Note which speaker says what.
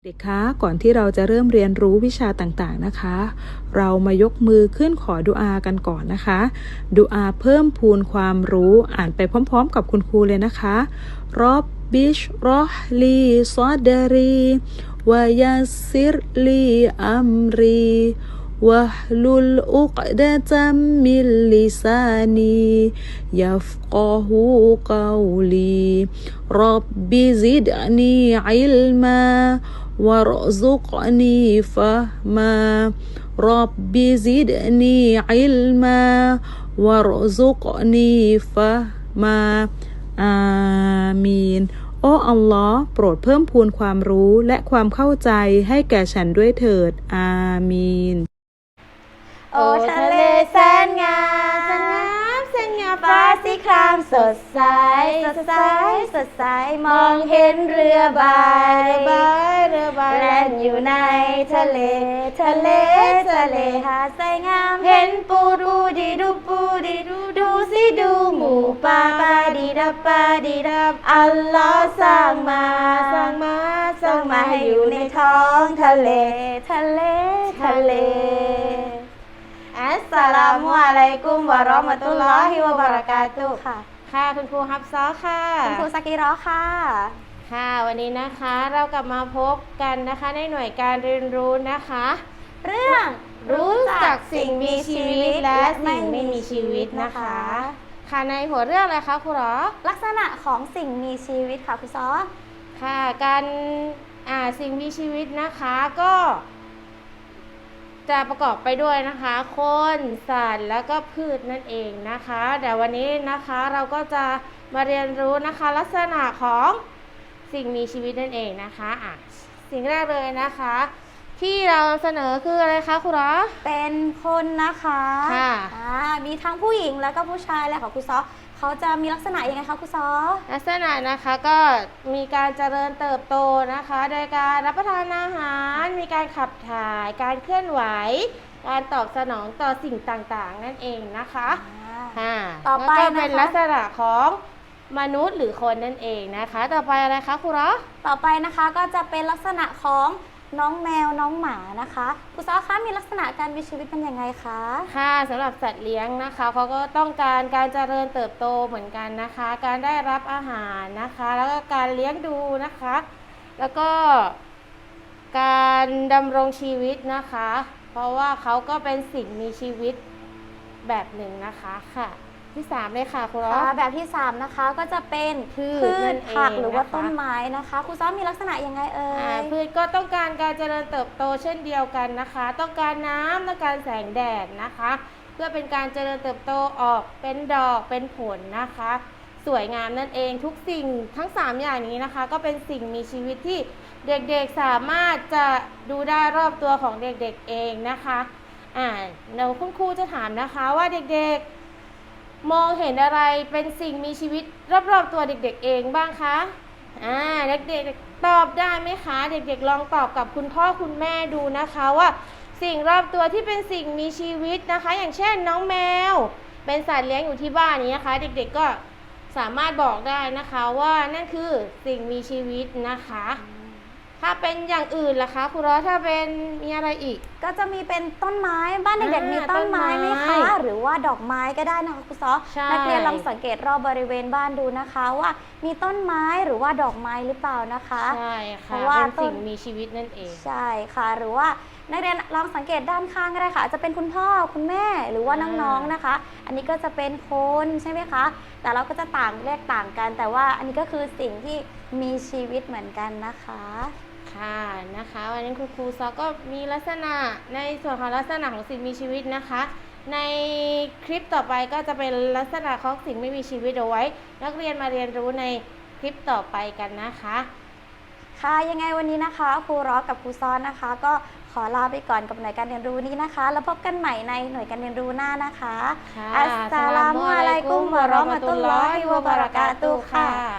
Speaker 1: เด็กคะก่อนที่เราจะเริ่มเรียนรู้วิชาต่างๆนะคะ เรามายกมือขึ้นขอดุอากันก่อนนะคะดุอาเพิ่มพูนความรู้อ่านไปพร้อมๆกับคุณครูเลยนะคะรอบบิชรอฮลีซอดรีวะยัสซิรลีอัมรีวะฮลุลอุกดะตัมมิลลิซานียัฟกะฮูกาวลีรับบิซิดนีอิลมา وارزقني فهما رب زدني علما وارزقني فهما อามีนโอ้อัลลอฮ์โปรดเพิ่มพูนความรู้และความเข้าใจให้แก่ฉันด้วยเถิดอามีน
Speaker 2: โอ้ทะเลแสนงามแสนงามฟ้าสีครามสดใสสดใสสดใสมองเห็นเรือใบแล่นอยู่ในทะเลหาดทรายงามเห็นปูดูดีดูสิดูหมูป่าดีดับอัลลอฮ์สร้างมาให้อยู่ในท้องทะเลอัสสลามุอะลัยกุมวะเราะห์มะตุลลอฮิวะบะเราะกาตุฮ์ค่ะคุณครูฮับซอค่ะ
Speaker 3: คุณครูซากิเราะห์ค่ะ
Speaker 2: วันนี้นะคะเรากลับมาพบกันนะคะในหน่วยการเรียนรู้นะคะ
Speaker 3: เรื่อง
Speaker 2: รู้จักสิ่งมีชีวิตและสิ่งไม่มีชีวิตนะคะในหัวเรื่องอะไรคะครูหรอ
Speaker 3: ลักษณะของสิ่งมีชีวิตค่ะครูซอ
Speaker 2: การสิ่งมีชีวิตนะคะก็จะประกอบไปด้วยนะคะคนสัตว์แล้วก็พืชนั่นเองนะคะแต่วันนี้นะคะเราก็จะมาเรียนรู้นะคะลักษณะของสิ่งมีชีวิตนั่นเองนะคะสิ่งแรกเลยนะคะที่เราเสนอคืออะไรคะครูหรอ
Speaker 3: เป็นคนนะคะมีทั้งผู้หญิงแล้วก็ผู้ชายและของครูซอเขาจะมีลักษณะยังไงคะครูซอ
Speaker 2: ลักษณะนะคะก็มีการเจริญเติบโตนะคะโดยการรับประทานอาหารมีการขับถ่ายการเคลื่อนไหวการตอบสนองต่อสิ่งต่างๆนั่นเองนะคะ
Speaker 3: ต่อไป
Speaker 2: ก็เป็นลักษณะของมนุษย์หรือคนนั่นเองนะคะต่อไปอะไรคะครูหรอ
Speaker 3: ต่อไปนะคะก็จะเป็นลักษณะของน้องแมวน้องหมานะคะครูซอคะมีลักษณะการมีชีวิตเป็นยังไงคะ
Speaker 2: สำหรับสัตว์เลี้ยงนะคะเขาก็ต้องการการเจริญเติบโตเหมือนกันนะคะการได้รับอาหารนะคะแล้วก็การเลี้ยงดูนะคะแล้วก็การดำรงชีวิตนะคะเพราะว่าเขาก็เป็นสิ่งมีชีวิตแบบหนึ่งนะคะที่3เลยค่ะครูซอ
Speaker 3: แบบที่3นะคะก็จะเป็นพืชผักหรือว่าต้นไม้นะคะครูซอมีลักษณะยังไง
Speaker 2: พืชก็ต้องการการเจริญเติบโตเช่นเดียวกันนะคะต้องการน้ำต้องการแสงแดดนะคะเพื่อเป็นการเจริญเติบโตออกเป็นดอกเป็นผลนะคะสวยงามนั่นเองทุกสิ่งทั้ง3อย่างนี้นะคะก็เป็นสิ่งมีชีวิตที่เด็กๆสามารถจะดูได้รอบตัวของเด็กๆเองนะคะเดี๋ยวคุณครูจะถามนะคะว่าเด็กๆมองเห็นอะไรเป็นสิ่งมีชีวิตรอบๆตัวเด็กๆเองบ้างคะเด็กๆตอบได้ไหมคะเด็กๆลองตอบกับคุณพ่อคุณแม่ดูนะคะว่าสิ่งรอบตัวที่เป็นสิ่งมีชีวิตนะคะอย่างเช่นน้องแมวเป็นสัตว์เลี้ยงอยู่ที่บ้านนี้นะคะเด็กๆก็สามารถบอกได้นะคะว่านั่นคือสิ่งมีชีวิตนะคะถ้าเป็นอย่างอื่นล่ะคะครูร้อถ้าเป็นมีอะไรอีก
Speaker 3: ก็จะมีเป็นต้นไม้บ้านเด็กๆมีต้นไม้ไหมคะหรือว่าดอกไม้ก็ได้นะคะครูซอนักเรียนลองสังเกตรอบบริเวณบ้านดูนะคะว่ามีต้นไม้หรือว่าดอกไม้หรือเปล่านะคะ
Speaker 2: ใช่ค่ะเป็นสิ่งมีชีวิตนั่นเอง
Speaker 3: ใช่ค่ะหรือว่านักเรียนลองสังเกตด้านข้างก็ได้ค่ะอาจจะเป็นคุณพ่อคุณแม่หรือว่าน้องๆนะคะอันนี้ก็จะเป็นคนใช่ไหมคะแต่เราก็จะเรียกต่างกันแต่ว่าอันนี้ก็คือสิ่งที่มีชีวิตเหมือนกันนะคะ
Speaker 2: นะคะวันนี้ครูซอก็มีลักษณะในส่วนของลักษณะของสิ่งมีชีวิตนะคะในคลิปต่อไปก็จะเป็นลักษณะของสิ่งไม่มีชีวิตเอาไว้นักเรียนมาเรียนรู้ในคลิปต่อไปกันนะคะ
Speaker 3: ยังไงวันนี้นะคะครูร้อกับครูซอนนะคะก็ขอลาไปก่อนกับหน่วยการเรียนรู้นี้นะคะแล้วพบกันใหม่ในหน่วยการเรียนรู้หน้านะคะ
Speaker 2: อัสสลามุอะลัยกุมวะเราะห์มะตุลลอฮิวะบะเราะกาตุฮ์ค่ะ